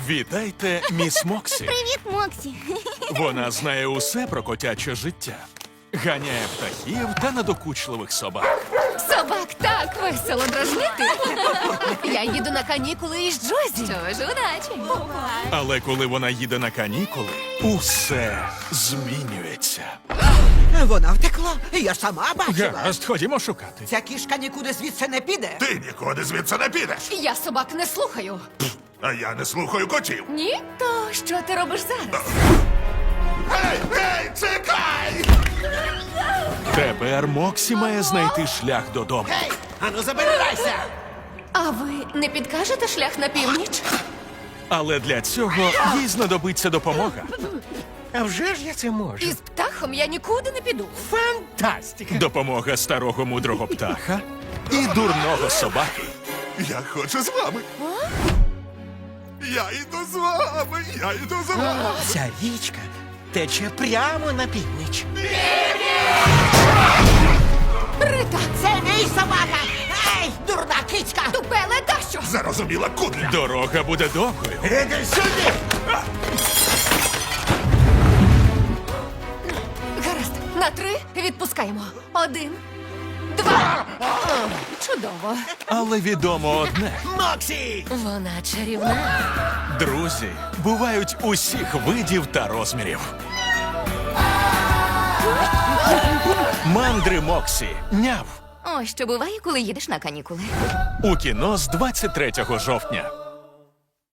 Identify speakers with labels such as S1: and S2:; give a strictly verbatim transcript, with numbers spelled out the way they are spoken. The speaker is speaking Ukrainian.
S1: Вітайте, міс Моксі.
S2: Привіт, Моксі.
S1: Вона знає усе про котяче життя. Ганяє птахів та надокучливих собак.
S3: Собак так весело дражнити. Я їду на канікули із Джозі. Що ж, удачі.
S1: Але коли вона їде на канікули, усе змінюється.
S4: Вона втекла. Я сама бачила.
S1: Гаразд, ходімо шукати.
S4: Ця кішка нікуди звідси не піде.
S5: Ти нікуди звідси не підеш.
S3: Я собак не слухаю.
S5: А я не слухаю котів.
S3: Ні? То що ти робиш зараз?
S5: Гей, гей, чекай!
S1: Тепер Моксі має знайти шлях додому.
S4: Ану, забирайся!
S3: А ви не підкажете шлях на північ?
S1: Але для цього їй знадобиться допомога.
S6: А вже ж я це можу.
S3: Із птахом я нікуди не піду.
S6: Фантастика!
S1: Допомога старого мудрого птаха і дурного собаки.
S5: Я хочу з вами. Я йду з вами, я йду з вами.
S6: Ця річка тече прямо на північ.
S3: Рита!
S4: Це мій собака! Ей, дурна кицька!
S3: Тупе ледащо!
S5: Зарозуміла кудля.
S1: Дорога буде довгою.
S5: Іди сюди!
S3: Гаразд, на три відпускаємо. Один, два. Чудово.
S1: Але відомо одне.
S6: Моксі!
S3: Вона чарівна.
S1: Друзі бувають усіх видів та розмірів. Мандри Моксі. Няв.
S3: Ось що буває, коли їдеш на канікули.
S1: У кіно з двадцять третього жовтня.